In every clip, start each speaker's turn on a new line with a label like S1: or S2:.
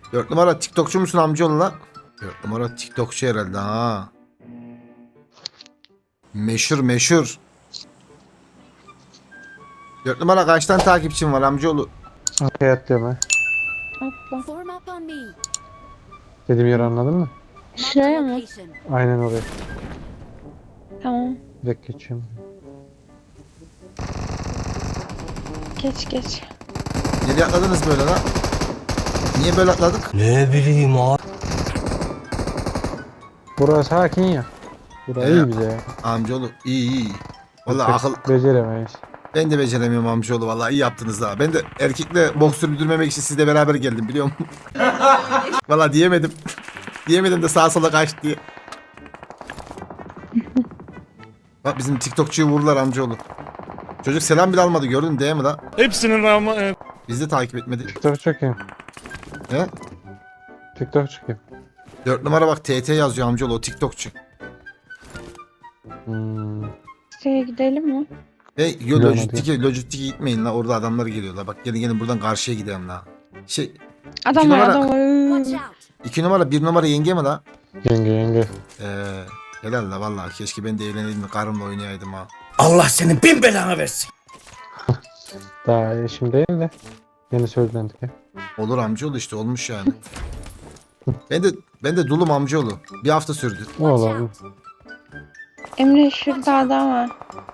S1: 4 numara TikTokçu musun amcaoğlu lan? 4 numara TikTokçu herhalde ha. Meşhur meşhur. 4 numara kaç tane takipçin var amcaoğlu?
S2: Arkaya atlıyorum ha.
S3: Atla.
S4: Form up on me.
S2: Dediğim yeri anladın mı?
S4: Marked a
S3: Şuraya mı?
S4: location.
S2: Aynen oraya.
S3: Tamam.
S2: Direkt geçiyorum.
S3: Geç geç.
S1: Nereye atladınız böyle lan? Niye böyle atladık?
S2: Burası sakin ya. Burası iyi bize ya.
S1: Amcaoğlu iyi iyi. Vallahi akıl
S2: Beceremeyiz.
S1: ben de beceremiyorum amcaoğlu vallahi iyi yaptınız ha. Ben de erkekle boks sürdürmemek için sizle beraber geldim biliyor musun? Vallahi diyemedim. Diyemedim de sağa sola kaçtı diye. Bak bizim TikTokçuyu vurdular amcaoğlu. Çocuk selam bile almadı gördün değil mi lan?
S5: Hepsinin rağmen
S1: Bizi de takip etmedi.
S2: TikTok çekeyim.
S1: He?
S2: TikTok çekeyim.
S1: 4 numara bak TT yazıyor amcaoğlu o TikTokçu.
S3: Şuraya gidelim mi?
S1: Yo
S2: Gidelim
S1: Lojistik'e gitmeyin la orada adamlar geliyorlar. Bak gelin buradan karşıya gidelim la. Şey
S3: Adam var
S1: numara-
S3: adam var.
S4: Watch out.
S1: 2 numara 1 numara yenge mi la?
S2: Yenge.
S1: Helal la vallahi keşke ben de evleneydim de karımla oynayaydım ha.
S5: Allah senin bin belanı versin.
S2: Daha eşim değil de. Yeni söylendik ya.
S1: Olur amcaoğlu işte olmuş yani. ben de dulum amcaoğlu. Bir hafta sürdü.
S2: Ne
S4: Watch
S2: olur.
S4: out.
S3: Emre şurada adam var.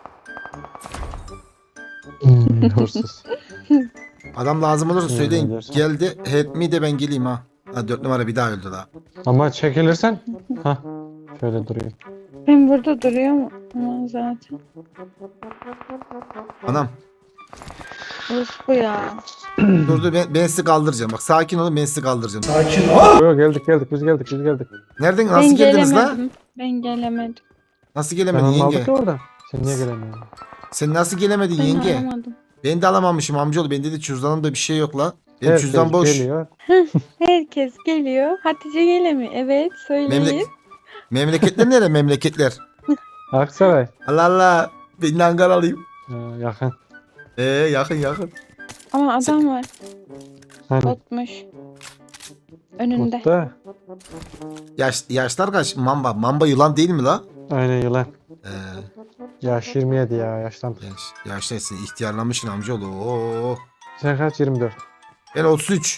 S2: Hırsız.
S1: Adam lazım olursa
S2: Ne
S1: söyleyin.
S2: diyorsun?
S1: Geldi help me de ben geleyim ha. Ha 4 numara bir daha öldü la.
S2: Ama çekilirsen. Hah. Şöyle durayım.
S3: Ben burada duruyorum ama zaten.
S1: Anam
S3: Orospu ya.
S1: dur ben sizi kaldıracağım. Bak sakin olun ben sizi kaldıracağım.
S2: Yo, geldik biz geldik.
S1: Nereden
S3: Ben
S1: nasıl geldiniz la?
S3: gelemedim. Ben gelemedim.
S1: Nasıl
S2: Ben
S1: gelemedin
S2: almadık
S1: yenge?
S2: ki orada. Sen niye gelemiyorsun?
S1: Sen nasıl gelemedin
S3: Ben
S1: yenge?
S3: alamadım.
S1: Ben de alamamışım amcaoğlu. Bende de cüzdanımda bir şey yok la. Benim
S2: Herkes
S1: cüzdan boş.
S2: Geliyor.
S3: Herkes geliyor. Hatice gelemiyor. Evet söyleyin.
S1: Memleketler nere memleketler?
S2: Aksaray.
S1: Allah Allah. Ben de Ankaralıyım.
S2: Yakın.
S1: Yakın.
S3: Ama adam var.
S2: Hani
S3: Botmuş. Önünde.
S2: Kutta.
S1: Yaşlar kaç? Mamba yılan değil mi la?
S2: Aynen yılan.
S1: Ee,
S2: Yaş 27 ya yaştan.
S1: yaşlısın ihtiyarlamışsın amcaoğlu. Oo.
S2: Sen kaç? 24.
S1: Ben 33.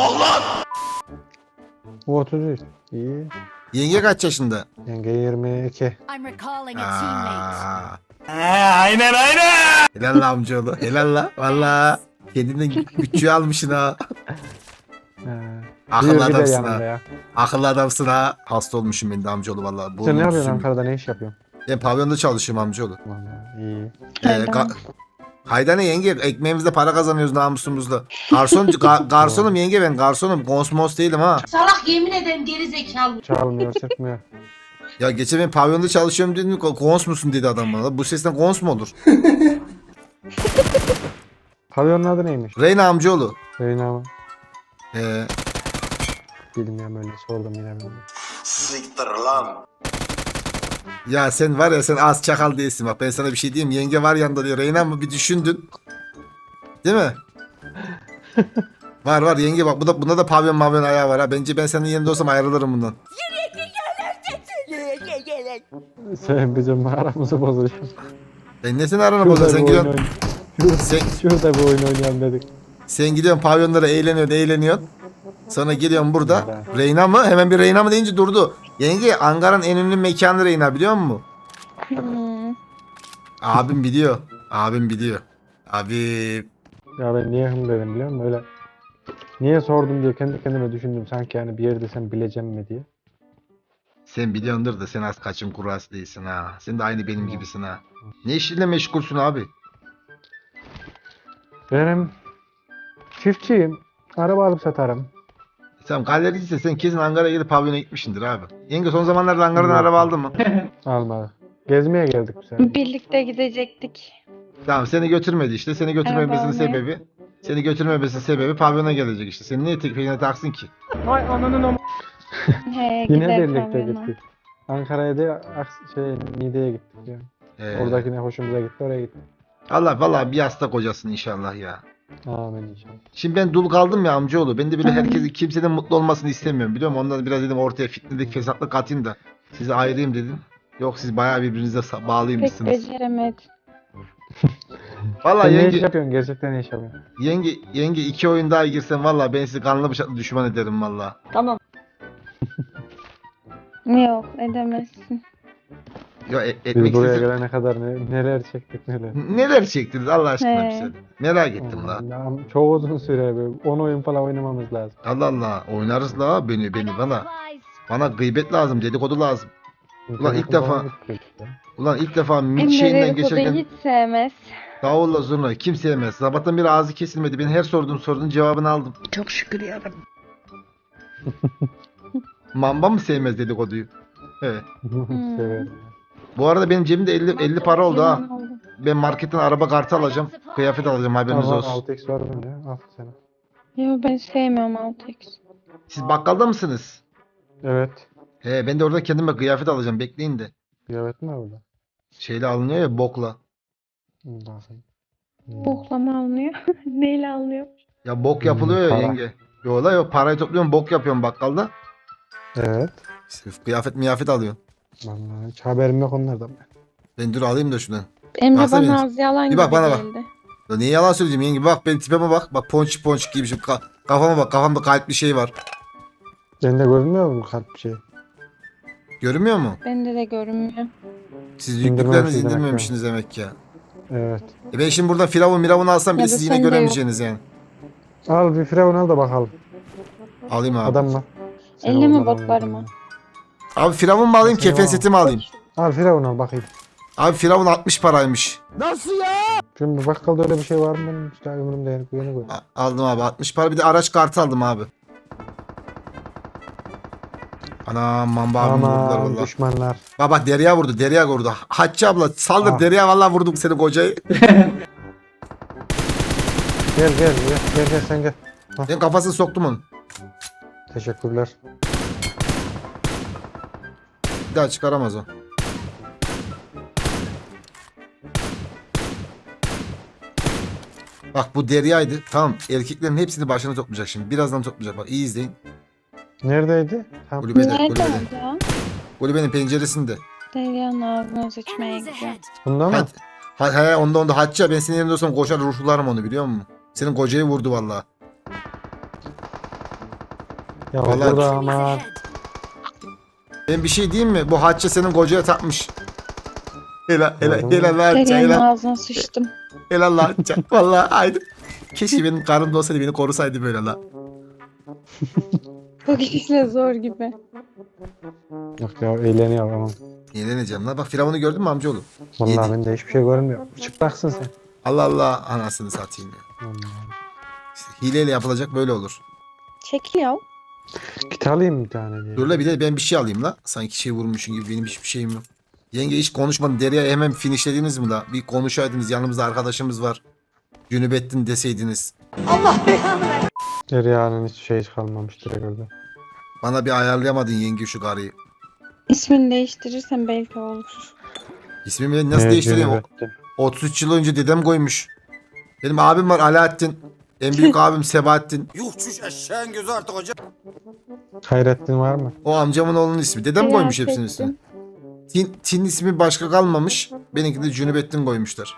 S2: Bu 33. İyi.
S1: Yenge kaç yaşında?
S2: Yenge 22.
S4: I'm recalling a teammate.
S1: Aa,
S5: Aynen.
S1: helal la amcaoğlu. Helal la. Valla. Kendinden bütçüğü almışsın ha. Akıllı
S2: Bir de
S1: adamsın
S2: yanımda
S1: ha.
S2: ya.
S1: Akıllı adamsın ha. Hasta olmuşum ben de amcaoğlu valla.
S2: Sen
S1: Burnum
S2: ne yapıyorsun
S1: sümük.
S2: Ankara'da, ne iş yapıyorsun?
S1: Ben pavyonda çalışıyorum amcaoğlu.
S2: Vallahi iyi.
S3: Haydan.
S1: Haydane yenge ekmeğimizde para kazanıyoruz namusumuzla. Garsonum yenge ben garsonum. Konsmos değilim ha.
S6: Salak yemin ederim geri zekalı.
S2: Çalmıyor, sırtmıyor.
S1: Ya geçen ben pavyonda çalışıyorum dedim. Kons musun dedi adam bana. Bu sesten kons mu olur?
S2: Pavyonun adı neymiş?
S1: Reyna amcaoğlu.
S2: Reyna mı?
S1: Ee,
S2: Bilmiyorum, öyle sordum yine ben.
S7: Siktir lan.
S1: ya sen var ya sen az çakal değilsin bak ben sana bir şey diyeyim. Yenge var yanında diyor. Reyna mı bir düşündün. Değil mi? var yenge bak bunda da pavyon ayağı var ha. Bence ben senin yerinde olsam ayrılırım bundan.
S2: Sen bizim aramızı bozuyorsun.
S1: Ben ne senin arana bozuyorsun sen gidiyorsun. Sen,
S2: Şurada bir oyun oynayalım dedik.
S1: sen gidiyorsun pavyonlara eğleniyorsun. Sonra geliyorsun burada.
S2: Evet.
S1: Reyna mı? Hemen bir Reyna mı deyince durdu. Yenge Ankara'nın en ünlü mekanı Reyna biliyor musun?
S3: Hmm.
S1: Abim biliyor. Abi
S2: Ya ben niye hım dedim biliyor musun? Öyle. Niye sordum diye kendi kendime düşündüm. Sanki yani bir yerde sen bileceğim mi diye.
S1: sen biliyordur da sen az kaçım kurası değilsin ha. Sen de aynı benim gibisin ha. Ne işinle meşgulsün abi?
S2: Benim çiftçiyim. Araba alıp satarım.
S1: Sen galericiyse sen kesin Ankara'ya gidip pavyona gitmişsindir abi. Yenge son zamanlarda Ankara'dan
S2: Yok.
S1: araba aldın mı?
S2: Almadık. Gezmeye geldik bu sefer.
S3: Birlikte gidecektik.
S1: Tamam seni götürmedi işte. Seni götürmemesinin
S3: Araba
S1: sebebi. Seni götürmemesinin sebebi pavyona gelecek işte. Seni niye tek peşine taksın ki?
S3: He,
S2: Yine
S3: gider
S2: birlikte
S3: pavyona.
S2: gittik. Ankara'ya da Niğde'ye gittik yani. Oradaki ne hoşumuza gitti, oraya gittik.
S1: Allah vallahi bir hasta kocasın inşallah ya.
S2: Amin inşallah.
S1: Şimdi ben dul kaldım ya amcaoğlu. Ben de böyle herkesin kimsenin mutlu olmasını istemiyorum biliyor musun? Ondan biraz dedim ortaya fitnelik fesatlık atayım da sizi ayırayım dedim. Yok siz bayağı birbirinize
S3: Pek
S1: bağlıymışsınız.
S3: beceremedim.
S1: Valla
S2: Sen ne iş
S1: yenge,
S2: yapıyorsun? Gerçekten ne iş yapıyorsun?
S1: yenge 2 oyun daha girsen valla ben sizi kanlı bıçaklı düşman ederim valla.
S3: Yok edemezsin.
S1: Ya
S2: Biz
S1: etmek
S2: buraya
S1: istesem
S2: gelene kadar neler çektik neler.
S1: neler çektiniz Allah aşkına
S3: He.
S1: bize. Merak ettim la.
S2: Ya, çok uzun süre böyle 10 oyun falan oynamamız lazım.
S1: Allah Allah oynarız la beni
S4: I got
S1: bana.
S4: supplies.
S1: Bana gıybet lazım dedikodu lazım. Ulan ilk
S2: İnternet
S1: defa-
S2: falan gittik ya.
S1: Ulan ilk defa mit
S3: Emre
S1: şeyinden
S3: dedikoduyu
S1: geçerken
S3: hiç sevmez.
S1: davulla zurna kim sevmez. Sabahtan beri ağzı kesilmedi. Ben her sorduğum sorunun cevabını aldım.
S6: Çok şükür yarabbim.
S1: Mamba mı sevmez dedikoduyu? Evet.
S2: Severim.
S1: Bu arada benim cebimde 50 para oldu ha.
S3: Yalan oldu.
S1: Ben marketten araba kartı alacağım. Kıyafet alacağım haberiniz
S2: Ama
S1: olsun.
S2: 6x var bende. Al sana.
S3: Yo ben sevmiyorum 6x.
S1: Siz bakkalda mısınız?
S2: Evet.
S1: He ben de orada kendime kıyafet alacağım. Bekleyin de.
S2: Kıyafet mi orada?
S1: Şeyle alınıyor ya bokla.
S2: Bakayım.
S3: Boklama alınıyor. Neyle alınıyor?
S1: Ya bok yapılıyor ya
S2: para.
S1: yenge. Yo la yo parayı topluyorum bok yapıyorum bakkalda.
S2: Evet.
S1: Sırf kıyafet miyafet alıyorum.
S2: Vallahi hiç haberim yok onlardan.
S1: Ben dur alayım da şuradan.
S3: Emre
S1: Baksana
S3: bana
S1: benim.
S3: az yalan
S1: Bir
S3: gibi
S1: bak, bana bak.
S3: geldi.
S1: Ya niye yalan söyleyeceğim yenge bak benim tipime bak. Bak ponçik ponçik giymişim. Kafama bak kafamda kalp bir şey var.
S2: Bende görünmüyor mu kalp bir şey?
S1: Görünmüyor mu?
S3: Bende de görünmüyor.
S1: Siz
S2: İndirmemişsiniz
S1: yüklüklerinizi
S2: demek ki.
S1: indirmemişsiniz demek ki ya.
S2: Evet.
S1: Ben şimdi buradan firavun miravun alsam bile
S3: Ya da
S1: siz yine
S3: sende yok.
S1: göremeyeceğiniz yani.
S2: Al bir firavun al da bakalım.
S1: Alayım abi.
S2: Adam mı? Sen
S3: Elle mi
S2: olmadan
S3: botlarıma?
S2: olmadan.
S1: Abi firavun mu alayım
S2: Seni
S1: kefen
S2: var.
S1: seti mi alayım?
S2: Al firavun al bakayım.
S1: Abi firavun 60 paraymış.
S2: Şimdi bakkalda öyle bir şey var mı benim? İşte ömrümde yani güvene koy.
S1: Aldım abi 60 para bir de araç kartı aldım abi. Ana mamba abim vurdular
S2: Aman
S1: valla.
S2: düşmanlar.
S1: Baba Derya vurdu Derya vurdu. Hatice abla saldır
S2: Ah.
S1: Derya valla vurdum seni kocayı.
S2: Gel sen gel.
S1: Ben kafasını soktum onun.
S2: Teşekkürler.
S1: Bir daha çıkaramaz o. Bak bu Derya'ydı. Tamam erkeklerin hepsini başına toplayacak şimdi. Birazdan toplayacak. Bak iyi izleyin.
S2: Neredeydi? Tamam.
S1: Kulübede,
S3: Nerede
S1: kulübede.
S3: oldu ya?
S1: Kulübenin penceresinde.
S3: Derya'nın ağzına sıçmaya
S4: Enemies
S3: gidiyor.
S4: ahead.
S2: Bunda mı?
S1: Onda Hatice ben senin yerinde olsam koşar ruhlarım onu biliyor musun? Senin kocayı vurdu valla.
S2: Ya
S1: Vallahi-
S2: burada
S4: Enemies
S2: aman.
S4: ahead.
S1: Ben bir şey diyeyim mi? Bu Hatice senin kocaya takmış. Helal
S2: Gördün
S1: helal
S2: mü?
S1: helal Hatice
S3: Derya'nın
S1: helal.
S3: ağzına sıçtım.
S1: Helal la Hatice. Valla haydi. Keşke benim karım da olsaydı beni korusaydı böyle la.
S3: Bu gidişle zor gibi.
S2: Yok ya eğleniyor aman.
S1: Yenileceğim la. Bak Firavun'u gördün mü amcaoğlu?
S2: Vallahi
S1: Yedi.
S2: bende hiçbir şey görünmüyor. Çıplaksın sen.
S1: Allah Allah anasını satayım ya.
S2: Vallahi.
S1: İşte hileyle yapılacak böyle olur.
S3: Çekil.
S2: Git alayım bir tane diye.
S1: Dur la bir de ben bir şey alayım la. Sanki şey vurmuşsun gibi benim hiçbir şeyim yok. Yenge hiç konuşmadın. Derya'yı hemen finishlediniz mi la? Bir konuşaydınız yanımızda arkadaşımız var. Cünübettin deseydiniz.
S2: Derya'nın hiç şey kalmamış direkt orada.
S1: Bana bir ayarlayamadın yenge şu karıyı.
S3: İsmini değiştirirsen belki olur.
S1: İsmimi nasıl
S2: Evet,
S1: değiştireyim?
S2: Cüneyt'tim.
S1: 33 yıl önce dedem koymuş. Benim abim var Alaaddin. En büyük abim Sebahattin.
S7: Yuh çüş eşeğin gözü artık hocam.
S2: Hayrettin var mı?
S1: O amcamın oğlunun ismi. Dedem
S3: Merak
S1: koymuş hepsinin
S3: ettim.
S1: ismini. Tin ismi başka kalmamış. Benimki de Cünübettin koymuşlar.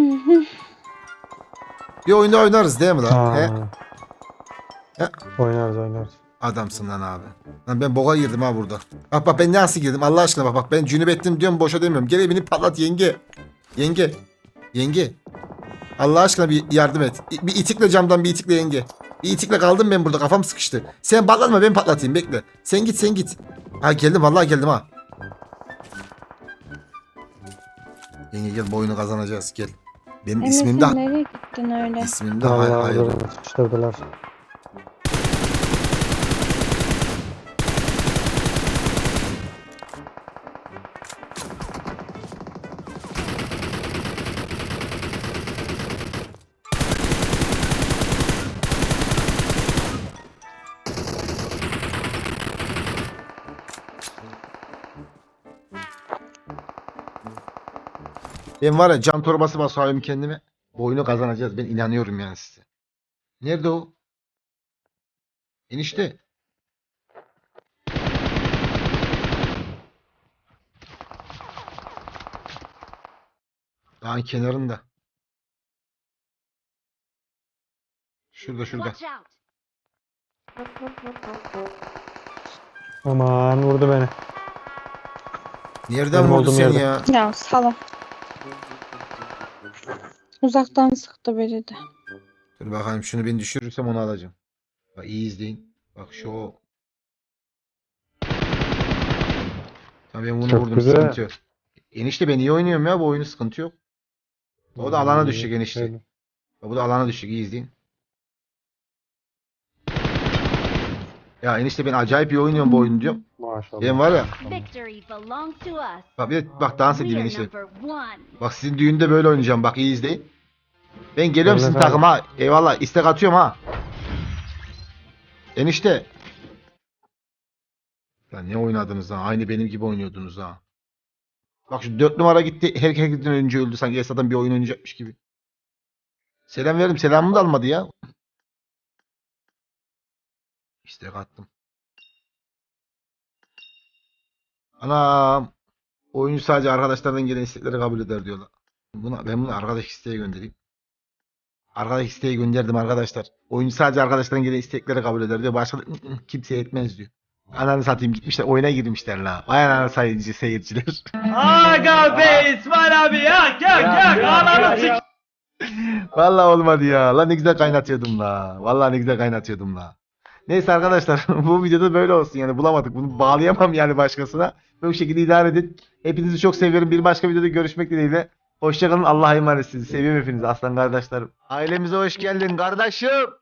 S1: Bir oyunda oynarız değil mi lan?
S2: Aa.
S1: He? He?
S2: Oynarız.
S1: Adamsın lan abi. Lan ben boğa girdim ha burada. Bak ben nasıl girdim Allah aşkına bak ben Cünübettin diyorum boşa demiyorum. Gel evini patlat yenge. Yenge. Allah aşkına bir yardım et. Bir itikle camdan bir itikle yenge. Bir itikle kaldım ben burada kafam sıkıştı. Sen patlatma ben patlatayım bekle. Sen git. Ha geldim vallahi geldim ha. Yenge gel bu oyunu kazanacağız gel. Benim
S3: Emre
S1: ismim
S3: sen
S1: de
S3: nereye gittin öyle?
S1: ismim de hayır.
S2: Vallahi sıçtırdılar.
S1: Ben var ya can torbası basıyorum kendime. Bu oyunu kazanacağız ben inanıyorum yani size. Nerede o? Enişte. Dağın kenarında. Şurada şurada.
S4: Watch out.
S2: Aman vurdu beni.
S1: Nereden
S2: Benim
S1: vurdu
S2: olduğum
S1: seni
S2: yerde.
S1: ya?
S3: Ya salak. Uzaktan sıktı biri de.
S1: Dur bakalım şunu ben düşürürsem onu alacağım. Bak iyi izleyin. Bak şu o. Tabii ben bunu
S2: Çok
S1: vurdum
S2: güzel.
S1: sıkıntı yok. Enişte ben iyi oynuyorum ya bu oyunu sıkıntı yok. O da alana düşecek enişte.
S2: Öyle.
S1: Bak bu da alana düşecek iyi izleyin. Ya enişte ben acayip iyi oynuyorum bu oyunu diyorum.
S2: Maşallah.
S1: Ben var ya.
S4: Victory belongs to us.
S1: Bak bir de bak dans edeyim
S4: We are
S1: enişte.
S4: number one.
S1: Bak sizin düğünde böyle oynayacağım bak iyi izleyin. Ben geliyorum
S2: Öyle
S1: sizin
S2: tabii.
S1: takıma. Eyvallah istek atıyorum ha. Enişte. Ya ne oynadınız ha? Aynı benim gibi oynuyordunuz ha. Bak şu 4 numara gitti. Herkesten önce öldü. Sanki Esat'tan bir oyun oynayacakmış gibi. Selam verdim. Selamımı da almadı ya. İstek attım. Anam. Oyuncu sadece arkadaşlardan gelen istekleri kabul eder diyorlar. Ben bunu arkadaş isteğe göndereyim. Arkadaş isteği gönderdim arkadaşlar. Oyuncu sadece arkadaşlardan gelen istekleri kabul eder diyor. Başka kimse etmez diyor. Ananı satayım gitmişler oyuna girmişler la. Vay ananı sayıcı seyirciler.
S5: Aga be İsmail abi yak ananı sik.
S1: Vallahi olmadı ya. Lan ne güzel kaynatıyordum la. Vallahi ne güzel kaynatıyordum la. Neyse arkadaşlar bu videoda böyle olsun yani bulamadık. Bunu bağlayamam yani başkasına. Bu şekilde idare edin. Hepinizi çok seviyorum. Bir başka videoda görüşmek dileğiyle. Hoşçakalın. Allah'a emanetsiniz. Seviyorum hepinizi aslan kardeşlerim. Ailemize hoş geldin kardeşim.